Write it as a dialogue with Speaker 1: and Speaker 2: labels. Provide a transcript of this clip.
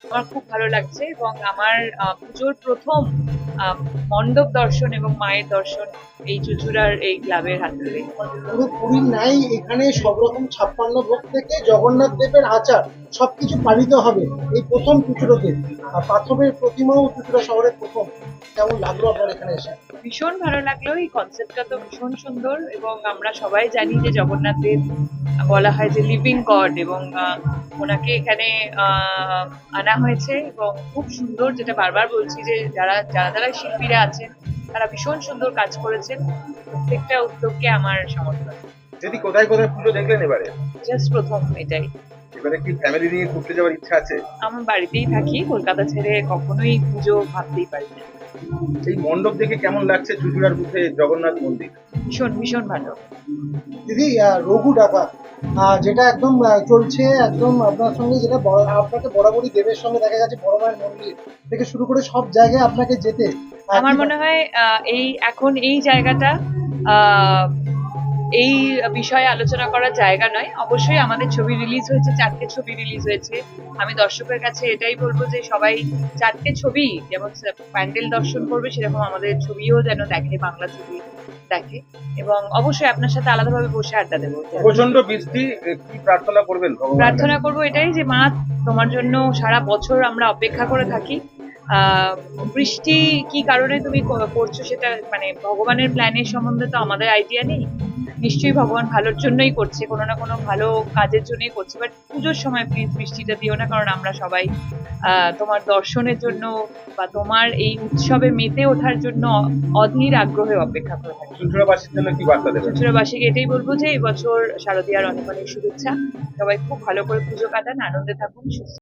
Speaker 1: আমার খুব ভালো লাগছে এবং আমার পুজোর প্রথম মণ্ডপ দর্শন এবং মায়ের দর্শন এই চুঁচুড়ার এই ক্লাবের হাত ধরে।
Speaker 2: পুরো পুরীর নাই এখানে সব রকম 56 ভোগ থেকে জগন্নাথ দেবের আচার সবকিছু পালিত হবে এই প্রথম চুচুড়োতে। আর পাথরের প্রতিমাও চুচুড়া শহরের প্রথম। কেমন লাগলো আপনার এখানে এসে?
Speaker 1: ভীষণ ভালো লাগলো, এই কনসেপ্টটা তো ভীষণ সুন্দর এবং আমরা সবাই জানি যে জগন্নাথ দেব বলা হয় যে লিভিং গড এবং ওনাকে এখানে আনা হয়েছে এবং খুব সুন্দর, যেটা বারবার বলছি যে যারা যারা যারা শিল্পীরা আছেন তারা ভীষণ সুন্দর কাজ করেছেন। প্রত্যেকটা উদ্যোগকে আমার সমর্থন।
Speaker 3: যদি কোথায় কোথায় পুজো দেখলেন এবারে?
Speaker 1: জাস্ট প্রথম এটাই।
Speaker 3: এবারে কি ফ্যামিলি নিয়ে ঘুরতে যাওয়ার ইচ্ছা আছে?
Speaker 1: আমার বাড়িতেই থাকি, কলকাতা ছেড়ে কখনোই পুজো ভাবতেই পারি না।
Speaker 3: এই মণ্ডপ দেখে কেমন লাগছে চুঁচুড়ার বুথে জগন্নাথ মন্দির?
Speaker 1: ভীষণ ভীষণ ভালো।
Speaker 2: দিদি রঘু ডাকাত যেটা একদম চলছে একদম আপনার সঙ্গে, যেটা আপনাকে বরাবরই দেবের সঙ্গে দেখা গেছে, বড় মায়ের মন্দির থেকে শুরু করে সব জায়গায় আপনাকে যেতে
Speaker 1: আমার মনে হয় এই এখন এই জায়গাটা আহ, এই বিষয়ে আলোচনা করার জায়গা নয়। অবশ্যই আমাদের ছবি রিলিজ হয়েছে, 4টে ছবি রিলিজ হয়েছে। আমি দর্শকের কাছে এটাই বলবো যে সবাই 4টে ছবি যেমন প্যান্ডেল দর্শন করবে, সেরকম আমাদের ছবিও যেন দেখে, বাংলা ছবি দেখে এবং অবশ্যই আপনার সাথে আলাদাভাবে বসে আড্ডা দেবো।
Speaker 3: প্রচন্ড বৃষ্টি, কি প্রার্থনা করবেন ভগবানের
Speaker 1: প্রার্থনা
Speaker 3: কাছে?
Speaker 1: করবো এটাই যে মা, তোমার জন্য সারা বছর আমরা অপেক্ষা করে থাকি। বৃষ্টি কি কারণে তুমি করছো সেটা মানে ভগবানের প্ল্যানের সম্বন্ধে তো আমাদের আইডিয়া নেই। নিশ্চয়ই ভগবান ভালোর জন্যই করছে, কোনো না কোনো ভালো কাজের জন্যই করছে। বাট পুজোর সময় প্লিজ বৃষ্টিটা দিও না, কারণ আমরা সবাই তোমার দর্শনের জন্য বা তোমার এই উৎসবে মেতে ওঠার জন্য অধীর আগ্রহে অপেক্ষা করে থাকি।
Speaker 3: চুঁচুড়াবাসীর জন্য কি বার্তা দেবেন?
Speaker 1: চুঁচুড়াবাসীকে এটাই বলবো যে এবছর শারদীয়ার অনেক অনেক শুভেচ্ছা। সবাই খুব ভালো করে পুজো কাটান, আনন্দে থাকুন, সুস্থ